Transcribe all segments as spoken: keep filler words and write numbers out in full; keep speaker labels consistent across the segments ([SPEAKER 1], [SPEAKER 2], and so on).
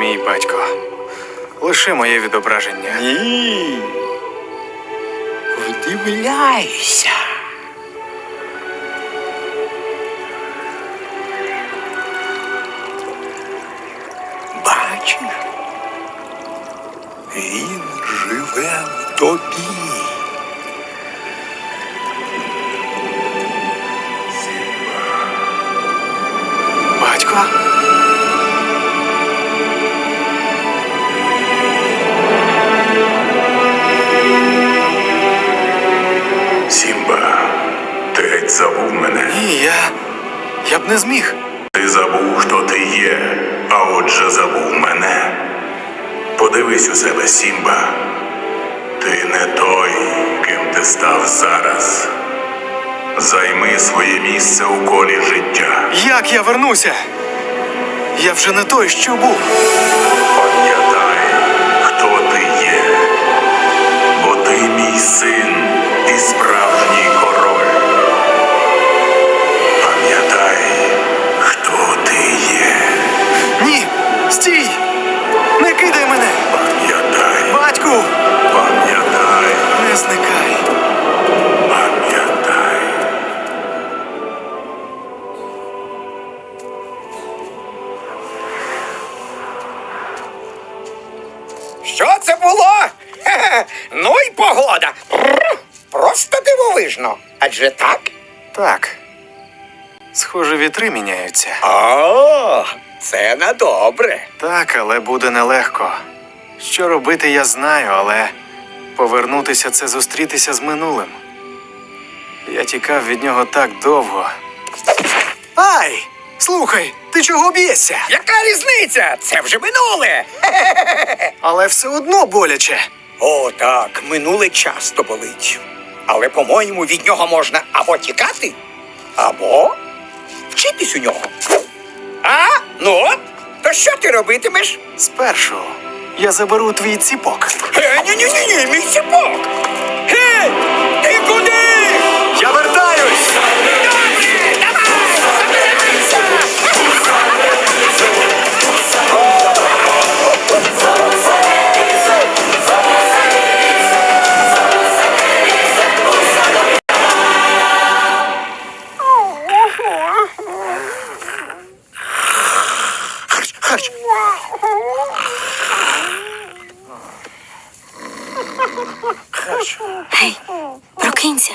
[SPEAKER 1] мій батько. Лише моє відображення.
[SPEAKER 2] Ні. Вдивляйся. Бачиш? Він живе в тобі.
[SPEAKER 1] Батько?
[SPEAKER 3] Сімба, ти геть забув мене.
[SPEAKER 1] Ні, я... я б не зміг.
[SPEAKER 3] Ти забув, хто ти є, а отже забув мене. Подивись у себе, Сімба. Ти не той, ким ти став зараз. Займи своє місце у колі життя.
[SPEAKER 1] Як я вернуся? Я вже не той, що був.
[SPEAKER 3] Пам'ятай, хто ти є. Бо ти мій син і справжній король. Пам'ятай, хто ти є.
[SPEAKER 1] Ні! Стій! Не кидай мене!
[SPEAKER 3] Пам'ятай,
[SPEAKER 1] Батьку!
[SPEAKER 3] пам'ятай,
[SPEAKER 1] Не зникай!
[SPEAKER 3] пам'ятай.
[SPEAKER 2] Що це було? Хе-хе. Ну і погода. Бррр. Просто дивовижно. Адже так?
[SPEAKER 1] Так. Схоже, вітри міняються.
[SPEAKER 2] О, це на добре.
[SPEAKER 1] Так, але буде нелегко. Що робити, я знаю, але повернутися – це зустрітися з минулим. Я тікав від нього так довго. Ай! Слухай, ти чого б'єшся?
[SPEAKER 2] Яка різниця? Це вже минуле.
[SPEAKER 1] Але все одно боляче.
[SPEAKER 2] О, так, минуле часто болить. Але, по-моєму, від нього можна або тікати, або вчитись у нього. А? Ну от, то що ти робитимеш?
[SPEAKER 1] Спершу я заберу твій ціпок.
[SPEAKER 2] Е, ні-ні-ні, мій ціпок! Гей! Ти куди?
[SPEAKER 1] Я вертаюсь!
[SPEAKER 2] Добре, давай, забирайся! Харч, харч. Харч.
[SPEAKER 4] Гей, прокинься.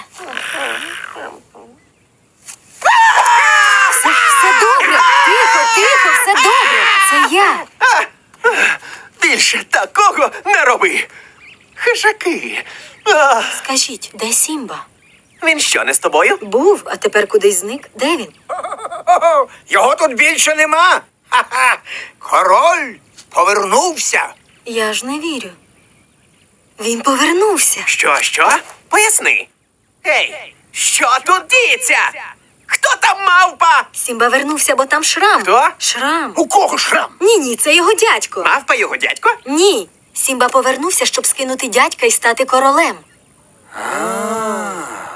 [SPEAKER 4] Все, все добре. Тихо, тихо, все добре. Це я.
[SPEAKER 2] Більше такого не роби. Хижаки. А,
[SPEAKER 4] Скажіть, де Сімба?
[SPEAKER 2] він що, не з тобою?
[SPEAKER 4] Був, а тепер кудись зник. Де він?
[SPEAKER 2] О, його тут більше нема. Ха-ха. Король повернувся.
[SPEAKER 4] Я ж не вірю. Він повернувся.
[SPEAKER 2] Що, що? Поясни. Ей, що тут діється? Хто там мавпа?
[SPEAKER 4] Сімба вернувся, бо там шрам.
[SPEAKER 2] Хто?
[SPEAKER 4] Шрам.
[SPEAKER 2] У кого шрам?
[SPEAKER 4] Ні, ні, це його дядько.
[SPEAKER 2] Мавпа його дядько?
[SPEAKER 4] Ні. Сімба повернувся, щоб скинути дядька і стати королем.